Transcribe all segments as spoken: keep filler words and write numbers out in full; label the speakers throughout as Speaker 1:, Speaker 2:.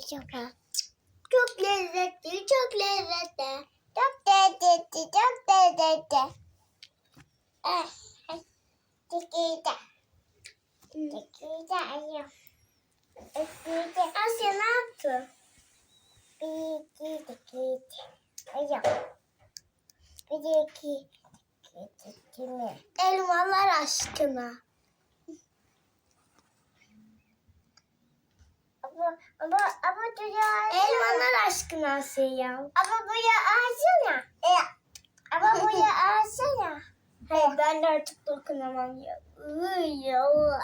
Speaker 1: acaba? Çok lezzetli, çok lezzetli. Çok lezzetli, çok lezzetli. Eh, Tekirdağ. Tekirdağ ayım. Tekirdağ. Asya ne yaptı? Bir, iki, tekirdağ. Ayım. Bir, iki, tekirdağ. Elmalar aşkına. Ama, ama, ama buraya elmalar aşkına Asya. Ama buraya ağzına. E, ama buraya ağzına. Hayır, ben de artık dokunamam ya. Uy Allah.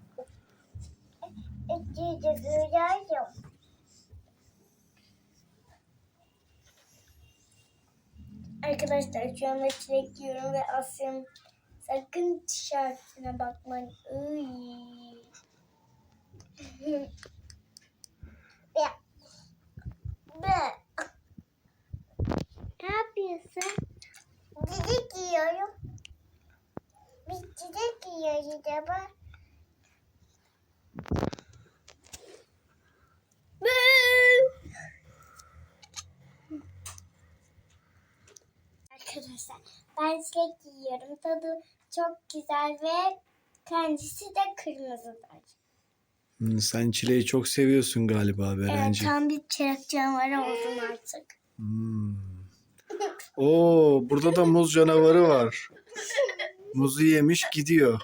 Speaker 1: İçinde görüyorum. Arkadaşlar şu anda çilek yiyorum ve Asya'nın sakın tişörtüne bakmayın. Uy. Ya. Be. Ne yapıyorsun? Çilek yiyorum. Biz çilek yiyoruz ama. Arkadaşlar ben çilek yiyorum. Tadı çok güzel ve kendisi de kırmızıdır.
Speaker 2: Hmm, sen çileği çok seviyorsun galiba
Speaker 1: Evet,
Speaker 2: Berenci.
Speaker 1: tam bir çilek canavarı oldum artık.
Speaker 2: Hmm. Oo, burada da muz canavarı var. Muzu yemiş gidiyor.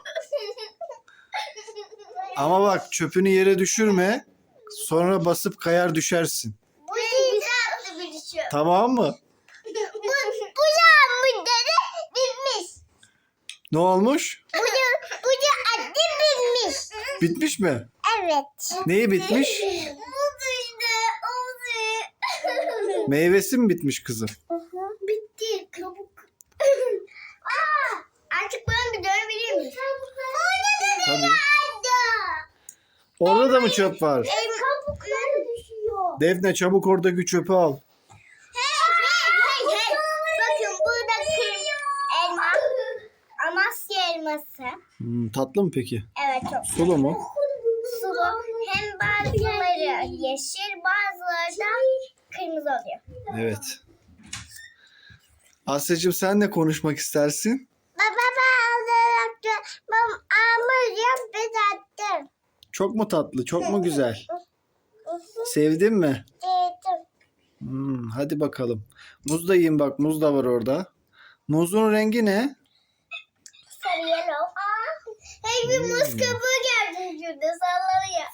Speaker 2: Ama bak çöpünü yere düşürme. Sonra basıp kayar düşersin.
Speaker 1: Bu güzel bir şey.
Speaker 2: Tamam mı?
Speaker 1: Bu, bu da müddeti bitmiş.
Speaker 2: Ne olmuş?
Speaker 1: Bu da, bu da adı bitmiş.
Speaker 2: Bitmiş mi?
Speaker 1: Evet.
Speaker 2: Neyi bitmiş?
Speaker 1: Oldu işte. Oldu.
Speaker 2: Meyvesi mi bitmiş kızım?
Speaker 1: Bitti. Kabuk. Aa, artık ben bir dönebilir miyim? Orada da
Speaker 2: Tabii.
Speaker 1: vardı.
Speaker 2: Orada da mı çöp var?
Speaker 1: Kabuklar düşüyor.
Speaker 2: Defne çabuk oradaki çöpü al.
Speaker 1: Hey, hey, hey, hey. Bakın burada kırm elma. Amasya elması.
Speaker 2: Hmm, tatlı mı peki?
Speaker 1: Evet, çok
Speaker 2: Sulu mu?
Speaker 1: sulu. Hem bazıları yeşil, bazıları da kırmızı oluyor.
Speaker 2: Evet. Asya'cığım sen ne konuşmak istersin?
Speaker 1: Baba ben alarak ben almış yaptım.
Speaker 2: Çok mu tatlı? Çok mu güzel? Sevdin mi?
Speaker 1: Dedim.
Speaker 2: Hmm, hadi bakalım. Muz da yiyin bak. Muz da var orada. Muzun rengi ne?
Speaker 1: Sarı yellow. Aa, hey bir muz kabuğu geldi şurada sallanıyor.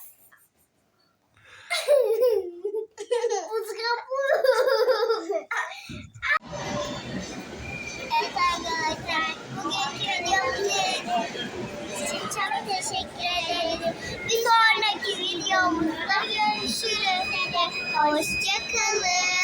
Speaker 1: Muz kabuğu. Evet arkadaşlar, bugünkü videomuz için çok teşekkür ederim. Bir sonraki videomuzda görüşürüz. Hoşçakalın.